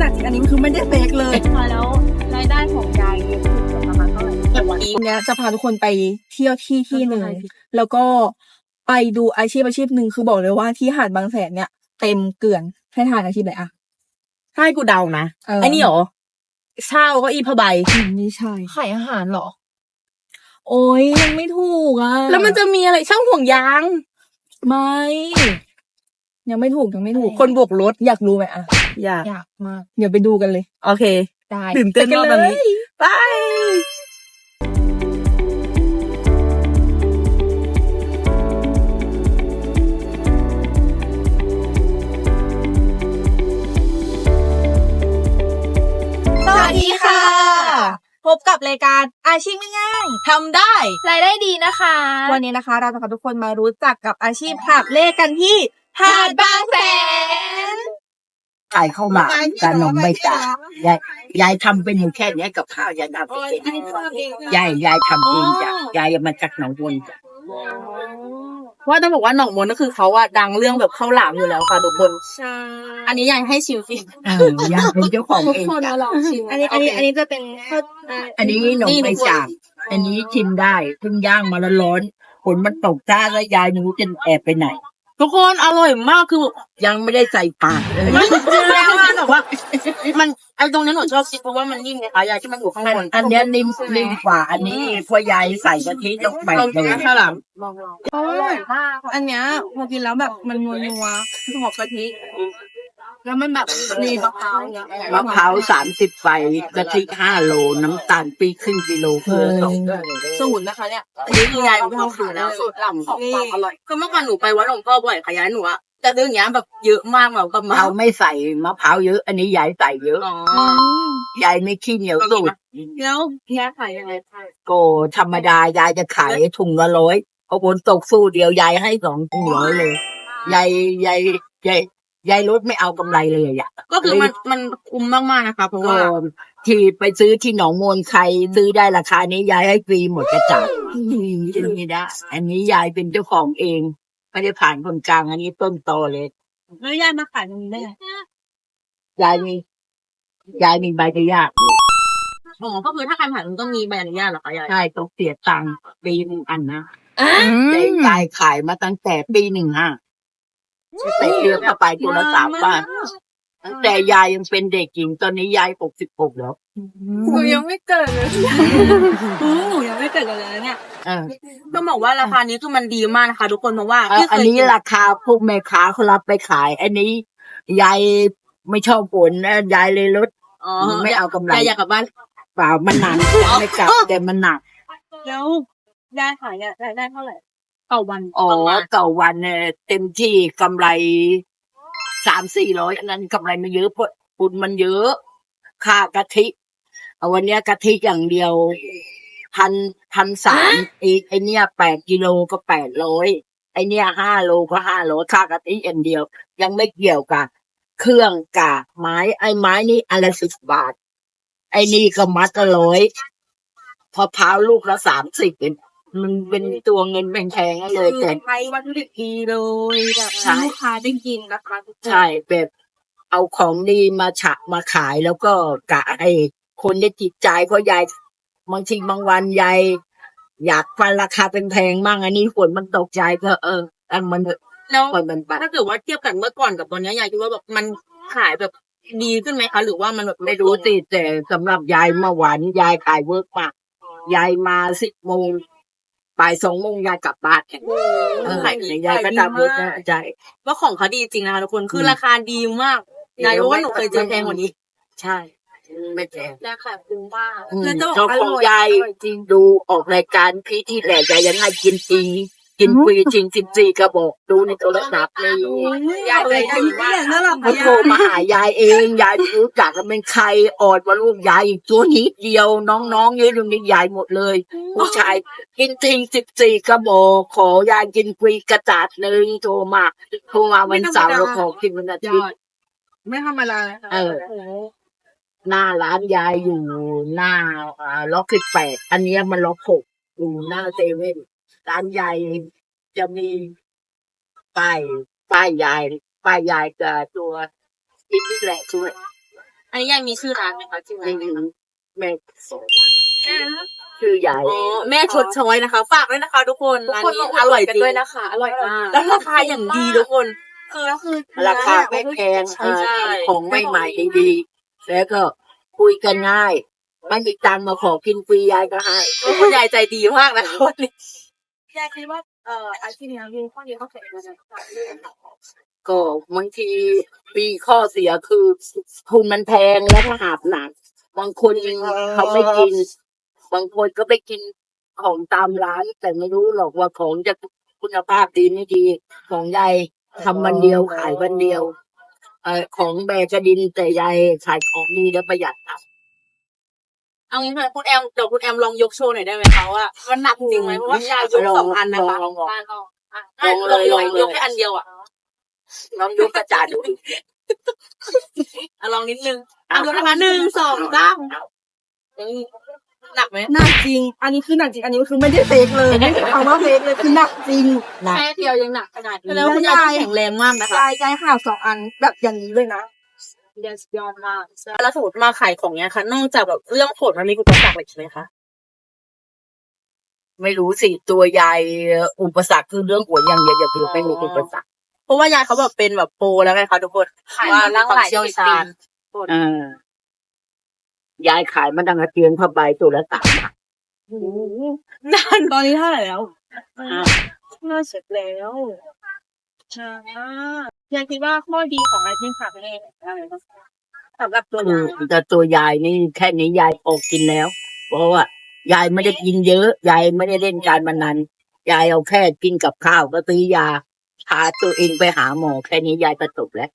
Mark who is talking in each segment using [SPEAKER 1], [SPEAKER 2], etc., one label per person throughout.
[SPEAKER 1] จริงอันนี้คือไม่ได้เฟกเลย
[SPEAKER 2] ค่ะแล้วรายได้ของยายคือประมาณเท่าไหร่ต่อวันนี้
[SPEAKER 1] วันนี้จะพาทุกคนไปเที่ยวที่หนึ่งแล้วก็ไปดูอาชีพหนึ่งคือบอกเลยว่าที่หาดบางแสนเนี่ยเต็มเกลื่อนให้ทานอาชีพอะไรอะ
[SPEAKER 3] ถ้าให้กูเดานะไอ้นี่หรอเช่าก็อีผ้าใบ
[SPEAKER 1] ไม่ใช่
[SPEAKER 3] ขายอาหารหรอ
[SPEAKER 1] โอ้ยยังไม่ถูกอ่ะ
[SPEAKER 3] แล้วมันจะมีอะไรช่างห่วงยาง
[SPEAKER 1] ไม่ยังไม่ถูก
[SPEAKER 3] คนโบกรถ
[SPEAKER 1] อยากรู้ไหมอะ
[SPEAKER 3] อยาก
[SPEAKER 1] มากเดี๋ยวไปดูกันเลย
[SPEAKER 3] โอเค
[SPEAKER 1] ได้
[SPEAKER 3] ตื่นเต้นมากแบบนี้ไป
[SPEAKER 1] สวัสดีค่ะ พบกับรายการอาชีพง่ายๆทำได้
[SPEAKER 2] รายได้ดีนะคะ
[SPEAKER 1] วันนี้นะคะ เราจะพาทุกคนมารู้จักกับอาชีพหาบเล่กันที่หาดบางแสน
[SPEAKER 4] ขายข้าวหมากกับนมใบจากยายทำเป็นอยู่แค่เนี้ยกับข้าวยายทำเองยายทำเองจ้ะยายมาจากหนองบัวจ้ะ
[SPEAKER 3] ว่าต้องบอกว่าหนองมนก็คือเขาอะดังเรื่องแบบข้าวหลามอยู่แล้วค่ะทุกคน
[SPEAKER 2] ใช่
[SPEAKER 3] อันนี้ยายให้ชิมสิ
[SPEAKER 4] ยายเป็นเจ้าของ
[SPEAKER 2] ทุก
[SPEAKER 4] เอง
[SPEAKER 2] คน
[SPEAKER 4] จ้ะ
[SPEAKER 2] มาลองชิม
[SPEAKER 1] อันนี้จะเป็นข้าว
[SPEAKER 4] อันนี้หนมใบจากอันนี้ชิมได้เพิ่งย่างมาแล้วร้อนฝนมันตกจ้าแล้วยายไม่รู้จะแอบไปไหน
[SPEAKER 3] ทุกคนอร่อยมากคือ
[SPEAKER 4] ยังไม่ได้ใส่ปากเลย
[SPEAKER 3] มันคือแล้วว่าแบบว่ามันไอ้ตรงนี้หนูชอบคิดเพราะว่ามันนิ่มไงคะยายที่มันอยู่ข้างบน
[SPEAKER 4] อันเนี้ยนิ่มกว่าอันนี้พอยายใส่กะทิต้องแบ่งเลย
[SPEAKER 3] ข้าวหลาม
[SPEAKER 1] อร่อยมากอันเนี้ยพอกินแล้วแบบมันนัวหอมกะทิแล้วมันแบบมีมะพร้าวเนี่ย
[SPEAKER 4] มะพร้าว30 ใบกะทิ5 โลน้ำตาลปีครึ่งกิโลเพิ่ม
[SPEAKER 1] สูตรนะคะเนี่ย
[SPEAKER 3] อันนี้คือยายเป็นคนขายแล้วสูตรหล่ำของความอร่อยคือเมื่อก่อนหนูไปวัดหลวงพ่อบ่อยค่ะยายหนูอะแต่เรื่องเนี้ยแบบเยอะมากแบบกับมา
[SPEAKER 4] เราไม่ใส่มะพร้าวเยอะ อันนี้ยายใส่เยอะ
[SPEAKER 3] อ๋อ
[SPEAKER 4] ยายไม่ขี้เหนียวสูตร
[SPEAKER 1] แล้วยายขายยังไง
[SPEAKER 4] โกธรรมดายายจะขายถุงละ100พอฝนตกสู้เดียวยายให้2 ถุง100เลยยายลดไม่เอากำไรเลยอ่ะ
[SPEAKER 3] ก็คือมันคุ้มมากๆนะคะเพราะ
[SPEAKER 4] ก็
[SPEAKER 3] ว่า
[SPEAKER 4] ที่ไปซื้อที่หนองมนใครซื้อได้ราคานี้ยายให้ฟรีหมดกระจาดไม่ได้ อันนี้ยายเป็นเจ้าของเองไม่ได้ผ่านคนกลางอันนี้ต้นตอเลย
[SPEAKER 1] แล้วยายมาขายตรงนี้ได้ไง
[SPEAKER 4] ยายมีใบอนุญาต
[SPEAKER 3] อ๋อก็คือถ้าใครผ่านมันต้องมีใบอนุญาตเหรอคะยาย
[SPEAKER 4] ใช่ต้องเสียตังค์ปีหนึ่งอันนะแต่ยายขายมาตั้งแต่ปี15แต่เดือนเข้าไปตัวละ3 บาทตั้งแต่ยายยังเป็นเด็กหญิงตอนนี้ยาย66แล้ว
[SPEAKER 1] หนูยังไม่เกิดเลยหนูยังไม่เกิดเลยเนี่ย
[SPEAKER 3] ต้องบอกว่าราคานี้คือมันดีมากนะคะทุกคนเพราะว่าที่เค
[SPEAKER 4] อัน
[SPEAKER 3] ย
[SPEAKER 4] นี้
[SPEAKER 3] กิน
[SPEAKER 4] ราคาพวกแม่ค้าเขารับไปขาย อันนี้ยายไม่ชอบฝนนะยายเลยลด
[SPEAKER 3] อ๋อ
[SPEAKER 4] ไม่เอากำไร
[SPEAKER 3] ยายอยากกลับบ้าน
[SPEAKER 4] เปล่ามันหนักไม่กลับแต่มันหนัก
[SPEAKER 1] แล้วยายขายเนี่ยรายได้เท่าไหร่
[SPEAKER 3] ต่อวัน
[SPEAKER 4] อ๋อ
[SPEAKER 3] ประมาณ
[SPEAKER 4] ต่อวันเนี่ยเต็มที่กำไร300-400อันนั้นกำไรไม่เยอะเพราะฝุ่นมันเยอะค่ากะทิเอาวันเนี้ยกะทิอย่างเดียว1,300ไอเนี้ย8 กิโลก็800ไอเนี้ย5 โลก็500ค่ากะทิอย่างเดียว ยังไม่เกี่ยวกับเครื่องกากไม้ไอ้ไม้นี่อันละ10 บาท ไอ้นี่ก็มัดละ100พอพร้าวลูกละ30มันเป็นตัวเงินแพงๆเลยแต่
[SPEAKER 1] ใช้วัตถุดิบดีเลยแบบ
[SPEAKER 4] ใช่
[SPEAKER 1] ลูกค้าได้กินนะคะทุกคน
[SPEAKER 4] ใช่แบบเอาของดีมาขายแล้วก็กะให้คนได้จิตใจเพราะยายบางทีบางวันยายอยากฟันราคาแพงๆมั่งอันนี้ฝนมันตกใจก็อันมัน
[SPEAKER 3] แล้ว
[SPEAKER 4] ปล่อยมันไป
[SPEAKER 3] ถ้าเกิดว่าเทียบกันเมื่อก่อนกับตอนนี้ยายคิดว่าแบบมันขายแบบดีขึ้นไหมคะหรือว่ามันแบบ
[SPEAKER 4] ไม่รู้สิแต่สำหรับยายเมื่อวานยายขายเวิร์กมากยายมา10 โมงบ่าย2 โมงยายกลับบ้านขายยายก็ทำเวิร์กนะใจ
[SPEAKER 3] ว่าของเขาดีจริงนะคะทุกคนคือราคาดีมากยายรู้ว่าหนูเคยเจอแพงกว่านี้
[SPEAKER 4] ใช่ไม่แพง
[SPEAKER 3] ราคาคุ้มมาก
[SPEAKER 1] แล้วจะบอก
[SPEAKER 4] เจ้า
[SPEAKER 1] อ
[SPEAKER 4] ของ
[SPEAKER 1] ร่อย
[SPEAKER 4] ยาย
[SPEAKER 1] อร่อยจริง
[SPEAKER 4] ดูออกรายการพี่ที่แหลกยายยังให้กินฟรีจริง14 กระบอกดูในโทรศัพท์เลย
[SPEAKER 1] ยายใจดีมากน่ารัก
[SPEAKER 4] เขาโทรมาหายายเอง ยายไม่รู้จักกันเป็นใครออดว่าลูกยายอีกตัวนิดเดียว น้องๆเยอะตรงนี้ยายหมดเลย ผู้ชายกินทิ้ง14 กระบอกขอยายกินฟรีกระจาดหนึ่งโทรมาวันเสาร์เราขอกินวันอาทิตย์
[SPEAKER 1] ไม่ธรรมดาเลยค่ะ
[SPEAKER 4] หน้าร้านยายอยู่หน้าล็อก18อันเนี้ยมันล็อก6อยู่หน้าเซเว่นร้านยายจะมีป้ายยายกับตัวอินนี่แหละช่วย
[SPEAKER 3] อันนี้ยังมีชื่อร้านไหมคะชื่อร้าน
[SPEAKER 4] แม่ชื่อใหญ่
[SPEAKER 3] อ๋อแม่ชดช้อยนะคะ ฝากด้วยนะคะทุกคนร้านนี้อร่อยจริงด้วยนะคะอร่อยมากแล้วราคาอย่างดีทุกคนคือ
[SPEAKER 4] ราคาไม่แพงของใหม่ๆดีๆแล้วก็คุยกันง่ายไม่มีตังค์มาขอกินฟรียายก็ให้
[SPEAKER 3] คุณยายใจดีมากนะคะวันนี้
[SPEAKER 2] ยายคิดว่าอาชีพนี้มีข้อดีข้อเสียยังไงบ้าง
[SPEAKER 4] ก็บางทีมีข้อเสียคือทุนมันแพงและถ้าหาบหนักบางคนเขาไม่กิน บางคนก็ไปกินของตามร้าน แต่ไม่รู้หรอกว่าของจะคุณภาพดีไม่ดีของยายทำวันเดียวขายวันเดียวของแบกระดินแต่ยายขายของดีและประหยัดครับ
[SPEAKER 3] เอางี้ค่ะคุณแอมเดี๋ยวคุณแอมลองยกโชว์หน่อยได้ไหมคะว่ามันหนักจริงไหมเพราะว่ายายยก2 อันนะคะ
[SPEAKER 4] ลอง
[SPEAKER 3] ลองยกแค่อันเดียวอ่ะ
[SPEAKER 4] ลองยกกระจาดดู
[SPEAKER 3] ลองนิดนึงยกนะคะ1 2 3หนักไหม
[SPEAKER 1] หนักจริง อันนี้คือหนักจริง อันนี้คือไม่ได้เฟกเลยไม่ใช่คำว่าเฟกเลยคือหนักจริง
[SPEAKER 3] แค่เดียวยังหนักขนาดนี้แล้วคุณยายแข็งแรงมากนะคะ
[SPEAKER 1] ยายข่าว2 อันแบบอย่างนี้เลยนะ
[SPEAKER 2] ยอดมาก
[SPEAKER 3] แล้วสมมติมาขายของเนี้ยค่ะนอกจากแบบเรื่องผลมันมีอุปสรรคอะไรไหมคะ
[SPEAKER 4] ไม่รู้สิตัวยายอุปสรรคคือเรื่องหัวอย่างเดียวอย่าคือไม่มีอุปสรรค
[SPEAKER 3] เพราะว่ายายเขาแบบเป็นแบบโปรแล้วไงคะทุกคนว่าร่างหลายเชี่ยวชาญ
[SPEAKER 4] ยายขายมาดังกระเตียงผ้าใบตัวละ3 บาท
[SPEAKER 1] ตอนนี้เท่าไหร่แล้ว
[SPEAKER 2] เสร็จแล้วยายคิดว่าข้อดีของอาชีพขายแม่อะไรบ้างสำหรับตัวยาย
[SPEAKER 4] แต่ตัวยายนี่แค่นี้ยายพอกินแล้ว เพราะว่ายายไม่ได้กินเยอะยายไม่ได้เล่นการพนันยายเอาแค่กินกับข้าวก็ซื้อยาพาตัวเองไปหาหมอแค่นี้ยายก็จบแล้ว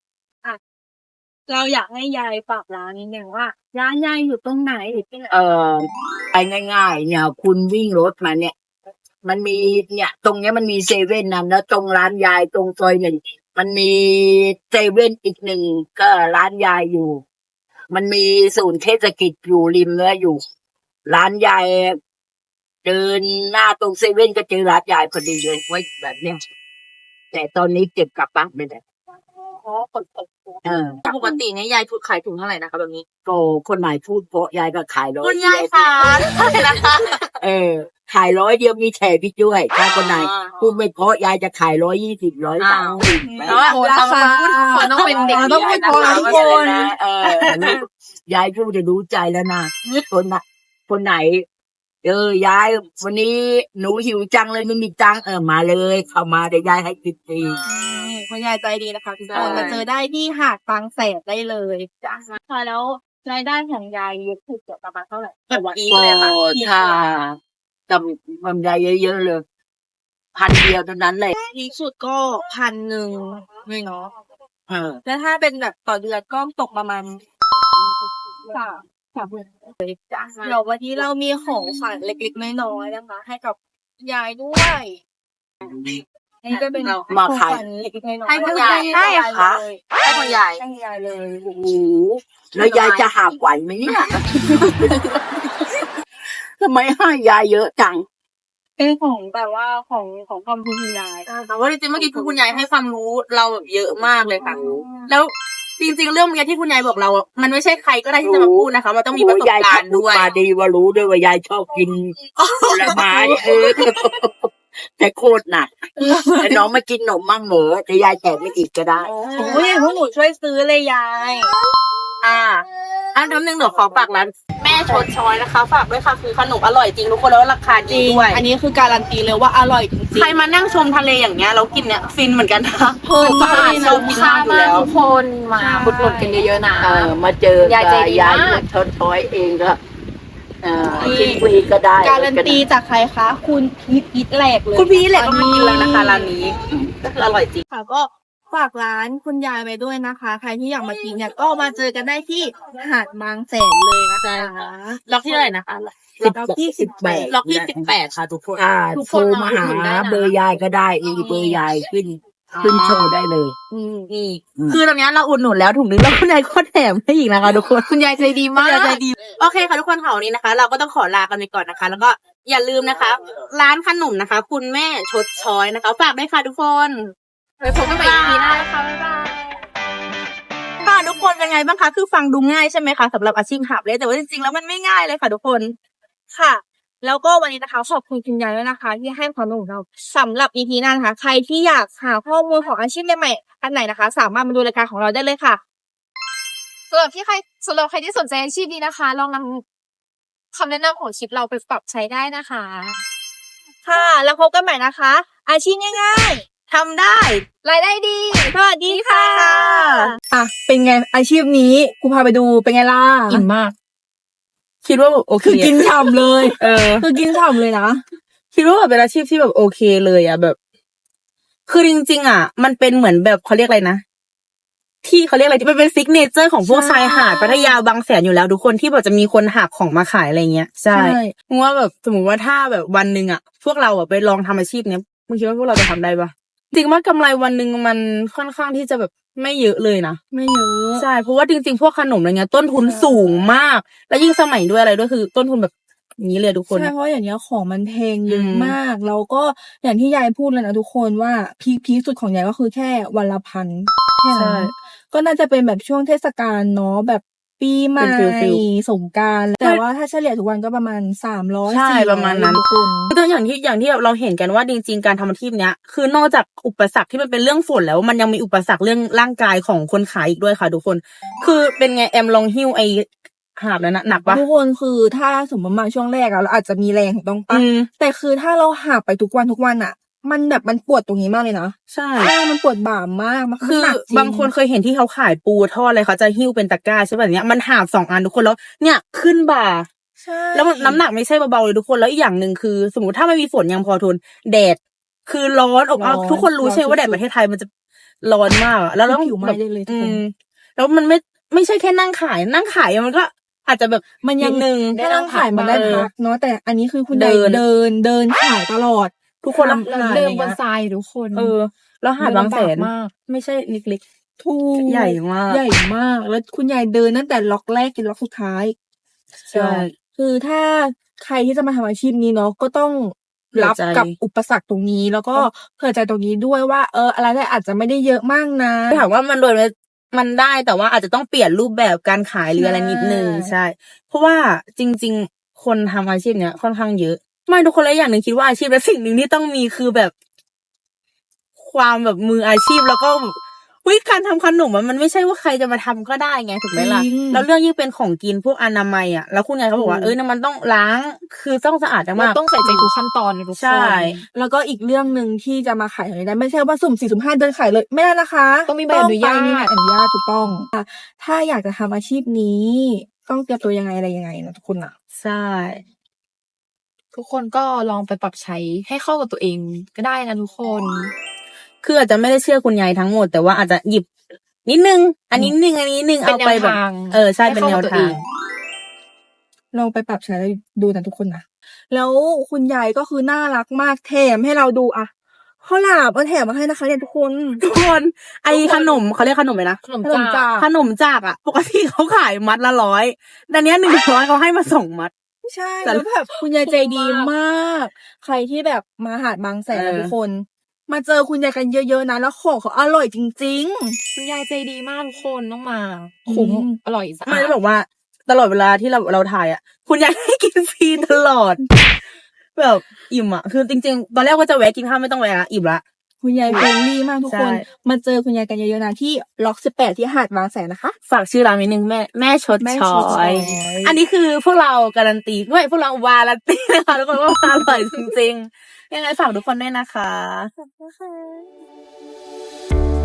[SPEAKER 2] เราอยากให้ยายฝากร้านนิดนึงว่าร้านยายอยู่ตรงไหนหรือที่ไหน
[SPEAKER 4] ไปง่ายๆเนี่ยคุณวิ่งรถมาเนี่ย มันมีเนี่ยตรงเนี้ยมันมีเซเว่นนะแล้วตรงร้านยายตรงซอย1มันมีเซเว่นอีก1ก็ร้านยายอยู่ มันมีศูนย์เทศกิจอยู่ริมแล้วอยู่ ร้านยายเดินหน้าตรงเซเว่นก็เจอร้านยายพอดีเลยไว้แบบเนี้ยแต่ตอนนี้เก็บกลับบ้านไม่ได้
[SPEAKER 3] ปกติเนี่ยยายขายถุงเท่าไหร่นะคะแบบนี้
[SPEAKER 4] ก็คนไหนพูดเพราะยายก็ขาย100
[SPEAKER 3] คุณยายค่ะนะคะ
[SPEAKER 4] ขาย100เดียวมีแถมพี่ด้วยถ้าคนไหนพูดไม่เพราะยายจะขาย120 130
[SPEAKER 3] แล้วคนต้องเป็นเด็ก
[SPEAKER 1] ต้องพูดพอทุกคน
[SPEAKER 4] ยายพูดจะรู้ใจแล้วนะคนไหนยายวันนี้หนูหิวจังเลยไม่มีตังค์มาเลยเข้ามาเดี๋ยวยายให้กินฟรี
[SPEAKER 1] คุณยายใจดีนะคะทุกคนมาเจอได้ที่หาดบางแสนได้เลยจ้ะ
[SPEAKER 2] ค่ะแล้วรายได้ของยายอยู่ที่เกี่ยวกับประมาณเท่าไหร่
[SPEAKER 3] แบบนี้
[SPEAKER 4] ก็
[SPEAKER 3] เลยค่ะ
[SPEAKER 4] ถ้าจำยายเยอะๆเลย1,000 เดียวเท่านั้นเลย
[SPEAKER 1] พีคสุดก็1,100เลยเนาะ
[SPEAKER 4] เออ
[SPEAKER 1] แล้วถ้าเป็นแบบต่อเดือนก็ตกประมาณ
[SPEAKER 2] 3 เดือน
[SPEAKER 1] จ้ะเดี๋ยววันนี้เรามีของขวัญเล็กๆน้อยๆนะคะ ให้กับยายด้วยนี่ก็เป็นของขวัญเล็กๆน้อยๆ
[SPEAKER 3] ให้คุณยาย
[SPEAKER 1] ให้ค่ะ
[SPEAKER 3] ให้คุณยาย
[SPEAKER 1] ให้ยายเลย
[SPEAKER 4] โอ้โหแล้วยายจะหาบไหวไหมเนี่ย ทำไมให้ยายเยอะจัง
[SPEAKER 2] เป็นของแบบว่าของความคุณยาย
[SPEAKER 3] แต่ว่าจริงๆเมื่อกี้คุณยายให้ความรู้เราแบบเยอะมากเลยค่ะ แล้วจริงๆเรื่องเมื่อกี้ที่คุณยายบอกเรา มันไม่ใช่ใครก็ได้ที่จะมาพูดนะคะ มันต้องมีประสบการณ์ด้วย
[SPEAKER 4] มาดีว่ารู้ด้วยว่ายายชอบกินผลไม้แต่โคตรหนักแต่น้องมากินขนมมั่งเหรอแต่ยายแถมไม่อีกก็ได้
[SPEAKER 1] โอ้ยพวกหนูช่วยซื้อเลยยาย
[SPEAKER 3] อันนึงเดี๋ยวขอฝากร้านแม่ชดช้อยนะคะ ฝากด้วยค่ะคือขนมอร่อยจริงทุกคนแล้วราคาดีด้วย
[SPEAKER 1] อันนี้คือการันตีเลยว่าอร่อยจริง
[SPEAKER 3] ใครมานั่งชมทะเลอย่างเงี้ยเรากินเนี่ยฟินเหมือนกันนะ
[SPEAKER 1] เพลินมากเลยนะ
[SPEAKER 3] เรากินมากอยู่แล้ว
[SPEAKER 2] ทุกคนมาบุดหนุนกันเยอะๆนะ
[SPEAKER 4] มาเจอย
[SPEAKER 2] ายใจดี
[SPEAKER 4] ยาย
[SPEAKER 2] มาก
[SPEAKER 4] ชดช้อยเองก็กินฟรีก็ได้
[SPEAKER 1] การันตีจากใครคะ คุณพีทอิทแหลกเลย
[SPEAKER 3] คุณพี่แหละก็มากินแล้วนะคะร้านนี้ก็คืออร่อยจริง
[SPEAKER 1] ค่ะก็ฝากร้านคุณยายไว้ด้วยนะคะ ใครที่อยากมากินเนี่ยก็มาเจอกันได้ที่หาดบางแสนเลยนะคะ
[SPEAKER 3] ล็อกที่เท่าไหร่นะคะ
[SPEAKER 1] ล็อกที่18
[SPEAKER 3] ล็อกที่18ค่ะทุกคน
[SPEAKER 4] โทรมาหาเบอร์ยายก็ได้เบอร์ยายขึ้นโชว์ได้เลย
[SPEAKER 3] นี่คือตรงนี้เราอุดหนุนแล้วถุงนึงแล้วคุณยายก็แถมให้อีกนะคะทุกคนคุณยายใจดีมากใจดีโอเคค่ะทุกคนค่ะวันนี้นะคะ เราก็ต้องขอลากันไปก่อนนะคะ แล้วก็อย่าลืมนะคะ ร้านขนมนะคะ คุณแม่ชดช้อยนะคะฝากด้วยค่ะทุกคน
[SPEAKER 2] ไปพบกันใหม่ EP หน้าค่ะบ๊ายบาย
[SPEAKER 3] ค่ะทุกคนเป็นไงบ้างคะคือฟังดูง่ายใช่ไหมคะสำหรับอาชีพหาบเล่แต่ว่าจริงๆแล้วมันไม่ง่ายเลยค่ะทุกคน
[SPEAKER 2] ค่ะ แล้วก็วันนี้นะคะขอบคุณคุณยายด้วยนะคะ ที่ให้ความรู้ของเราสำหรับ EP หน้านะคะ ใครที่อยากหาข้อมูลของอาชีพใหม่ๆอันไหนนะคะ สามารถมาดูรายการของเราได้เลยค่ะ
[SPEAKER 5] สำหรับใครที่สนใจอาชีพนี้นะคะ ลองนำคำแนะนำของชิปเราไปปรับใช้ได้นะคะ
[SPEAKER 2] ค่ะ แล้วพบกันใหม่นะคะ อาชีพง่าย
[SPEAKER 3] ทำได้
[SPEAKER 5] รายได้ดี
[SPEAKER 2] ๆ สวัสดีค่ะ
[SPEAKER 1] อ่ะเป็นไงอาชีพนี้กูพาไปดูเป็นไงล่ะ
[SPEAKER 3] อิ่มมาก คิดว่าแบบโอเค
[SPEAKER 1] คือกินฉ่ำเลย
[SPEAKER 3] คือ
[SPEAKER 1] กินฉ่ำเลยนะ
[SPEAKER 3] คิดว่าแบบเป็นอาชีพที่แบบโอเคเลยอ่ะแบบ คือจริงๆอ่ะ มันเป็นเหมือนแบบเขาเรียกอะไรนะ ที่เขาเรียกอะไรที่มันเป็นซิกเนเจอร์ของพวก
[SPEAKER 1] ใช่
[SPEAKER 3] ชายหาดพัทยาบางแสนอยู่แล้วทุกคนที่แบบจะมีคนหาบของมาขายอะไรเงี้ยใช่มึงว่าแบบสมมติว่าถ้าแบบวันหนึ่งอ่ะ พวกเราอ่ะไปลองทำอาชีพเนี้ยมึงคิดว่าพวกเราจะทำได้ปะจริงว่ากำไรวันหนึ่งมันค่อนข้างที่จะแบบไม่เยอะเลยนะ
[SPEAKER 1] ไม่เยอะ
[SPEAKER 3] ใช่เพราะว่าจริงๆพวกขนมอะไรเงี้ยต้นทุนสูงมาก แล้วยิ่งสมัยด้วยอะไรด้วยคือต้นทุนแบบนี้เลยทุกคน
[SPEAKER 1] ใช่เพราะอย่างเงี้ยของมันแพงเยอะ
[SPEAKER 3] อืม
[SPEAKER 1] มากแล้วก็อย่างที่ยายพูดเลยนะทุกคนว่าพีคสุดของยายก็คือแค่วันละ1,000แค่นั้นก็น่าจะเป็นแบบช่วงเทศกาลเนาะแบบปีใหม่
[SPEAKER 3] เป็นฟิล
[SPEAKER 1] สงกรานต์แต่ว่าถ้าเฉลี่ยทุกวันก็ประมาณ300
[SPEAKER 3] ใช่
[SPEAKER 1] 400
[SPEAKER 3] ประมาณนั้น
[SPEAKER 1] ทุกคน
[SPEAKER 3] ก็อย่างที่เราเห็นกันว่าจริงๆการทำอาชีพเนี้ยคือนอกจากอุปสรรคที่มันเป็นเรื่องฝนแล้วมันยังมีอุปสรรคเรื่องร่างกายของคนขายอีกด้วยค่ะทุกคน คือเป็นไงแอมลองหิ้วไอหาบแล้วนะหนักปะ
[SPEAKER 1] ทุกคนคือถ้าสมมติมาช่วงแรกอะเราอาจจะมีแรงถูกต้องปะ
[SPEAKER 3] อืม
[SPEAKER 1] แต่คือถ้าเราหาไปทุกวันอะมันแบบมันปวดตรงนี้มากเลยนะ
[SPEAKER 3] ใช่
[SPEAKER 1] มันปวดบ่ามากมัน
[SPEAKER 3] คือ
[SPEAKER 1] หนักจริง
[SPEAKER 3] บางคนเคยเห็นที่เขาขายปูทอดอะไรเขาจะหิ้วเป็นตะกร้าใช่ป่ะเนี้ยมันหาบ2 อันทุกคนแล้วเนี่ยขึ้นบ่า
[SPEAKER 1] ใช่
[SPEAKER 3] แล้วมันน้ำหนักไม่ใช่เบาๆเลยทุกคนแล้วอีกอย่างหนึ่งคือ สมมติถ้าไม่มีฝนยังพอทนแดดคือร้อนอบอ้าวทุกคนรู้ใช่ไหมว่าแดดประเทศไทยมันจะร้อนมากอะแล้วเรา
[SPEAKER 1] ผิวไหม้ได้เลยทุกคน
[SPEAKER 3] แล้วมันไม่ใช่แค่นั่งขายมันก็อาจจะแบบ
[SPEAKER 1] มันยัง
[SPEAKER 3] ดนึง
[SPEAKER 1] ถ้านั่งขายมันได้พักเนาะแต่อันนี้คือคุณ
[SPEAKER 3] เดิ
[SPEAKER 1] ยาย
[SPEAKER 3] น
[SPEAKER 1] เดินขายตลอด
[SPEAKER 3] ทุกคนแล้ว
[SPEAKER 1] ทำ
[SPEAKER 5] เดินบนทรายทุกคน
[SPEAKER 3] แล้วหาดบางแสน
[SPEAKER 5] เดินลำบากมาก
[SPEAKER 3] ไม่ใช่เล็ก
[SPEAKER 1] ทูก
[SPEAKER 3] ใหญ่มาก
[SPEAKER 1] ใหญ่มาก แล้วคุณยายเดินตั้งแต่ล็อกแรกจนล็อกสุดท้าย
[SPEAKER 3] ใช่
[SPEAKER 1] คือถ้าใครที่จะมาทำอาชีพนี้เนาะก็ต้องรับ
[SPEAKER 3] เผื่อใจ
[SPEAKER 1] กับอุปสรรคตรงนี้ แล้วก็เผื่อใจตรงนี้ด้วยว่าอะไรได้อาจจะไม่ได้เยอะมากนะ
[SPEAKER 3] ถามว่ามันได้แต่ว่าอาจจะต้องเปลี่ยนรูปแบบการขายหรืออะไรนิดนึง
[SPEAKER 1] ใช่
[SPEAKER 3] ใช่ เพราะว่าจริง ๆ คนทำอาชีพเนี้ยค่อนข้างเยอะ ไม่ทุกคนเลยอย่างหนึ่งคิดว่าอาชีพและสิ่งหนึ่งที่ต้องมีคือแบบ ความแบบมืออาชีพแล้วก็แบบการทำขนมมันไม่ใช่ว่าใครจะมาทำก็ได้ไงถูกไหมล่ะ
[SPEAKER 1] จริง
[SPEAKER 3] แล้วเรื่องยิ่งเป็นของกินพวกอนามัยอ่ะแล้วคุณยายเขาบอกว่าเนี่ยมันต้องล้างคือต้องสะอาด
[SPEAKER 5] เรา
[SPEAKER 3] มาก
[SPEAKER 5] ต้องใส่ใจทุกขั้นตอนเลยทุกคน
[SPEAKER 3] ใช่
[SPEAKER 1] แล้วก็อีกเรื่องหนึ่งที่จะมาขายอย่างนี้ได้ไม่ใช่ว่าสุ่ม4สุ่ม5เดินขายเลยไม่ได้นะคะ
[SPEAKER 5] ต้องมีใบอนุญาต
[SPEAKER 1] มีใบอนุญาตถูกต้องถ้าอยากจะทำอาชีพนี้ ต้องเตรียมตัวยังไงอะไรยังไงนะทุกคนอ่ะ
[SPEAKER 3] ใช่
[SPEAKER 5] ทุกคนก็ลองไปปรับใช้ให้เข้ากับตัวเองก็ได้นะทุกคน
[SPEAKER 3] คืออาจจะไม่ได้เชื่อคุณยายทั้งหมดแต่ว่าอาจจะหยิบนิดนึง อันนี้นิดนึงอันนี้นิดนึง
[SPEAKER 5] เป็น
[SPEAKER 3] เอาไปแบบ
[SPEAKER 5] แนวทาง
[SPEAKER 3] ใช่เป็นแนว
[SPEAKER 5] ให้เข้ากับตัว
[SPEAKER 3] ทา
[SPEAKER 5] เอง ง
[SPEAKER 1] ลองไปปรับใช้แล้วดูนะทุกคนนะแล้วคุณยายก็คือน่ารักมากแถมให้เราดูอะข้าวหลามแถมมาให้นะคะเนี่ยทุกคน
[SPEAKER 3] ทุกคนไอขนมเขาเรียกขนมไหมนะ
[SPEAKER 5] ขนม
[SPEAKER 1] ขนม
[SPEAKER 5] จ้า
[SPEAKER 1] จาก
[SPEAKER 3] ขนมจากอ่ะปกติเขาขายมัดละ100แต่เนี้ย100เขาให้มา2 มัด
[SPEAKER 1] ใช่
[SPEAKER 3] แต่
[SPEAKER 1] แล้วแบบคุณยายใจดีมาก ใครที่แบบมาหาดบางแสนนะทุกคน มาเจอคุณยายกันเยอะๆนะแล้วของเขาอร่อยจริง
[SPEAKER 5] คุณยายใจดีมากทุกคนต้องมาคุ้ม
[SPEAKER 1] อืม
[SPEAKER 5] อร่อยสะ
[SPEAKER 3] ไม่
[SPEAKER 5] อาด
[SPEAKER 3] ได้บอกว่าตลอดเวลาที่เราถ่ายอ่ะ คุณยายให้กินฟรีตลอด แบบอิ่มอ่ะคือจริงๆตอนแรกว่าจะแวะกินข้าวไม่ต้องแวะละอิ่มละ
[SPEAKER 1] ๆ คุณยายเฟรนลี่มากทุกคน
[SPEAKER 3] ใช่
[SPEAKER 1] มาเจอคุณยายกันเยอะๆนะที่ล็อก18ที่หาดบางแสนนะคะ
[SPEAKER 3] ฝากชื่อร้านนิดนึงแม่ชด
[SPEAKER 1] แม่
[SPEAKER 3] ช้
[SPEAKER 1] ชดช้
[SPEAKER 3] อ
[SPEAKER 1] อย ย
[SPEAKER 3] อันนี้คือพวกเราการันตีด้วยพวกเราวารันตีนะคะทุกคนว่าอร่อยจริงๆยังไงฝากทุกคนด้วยนะคะ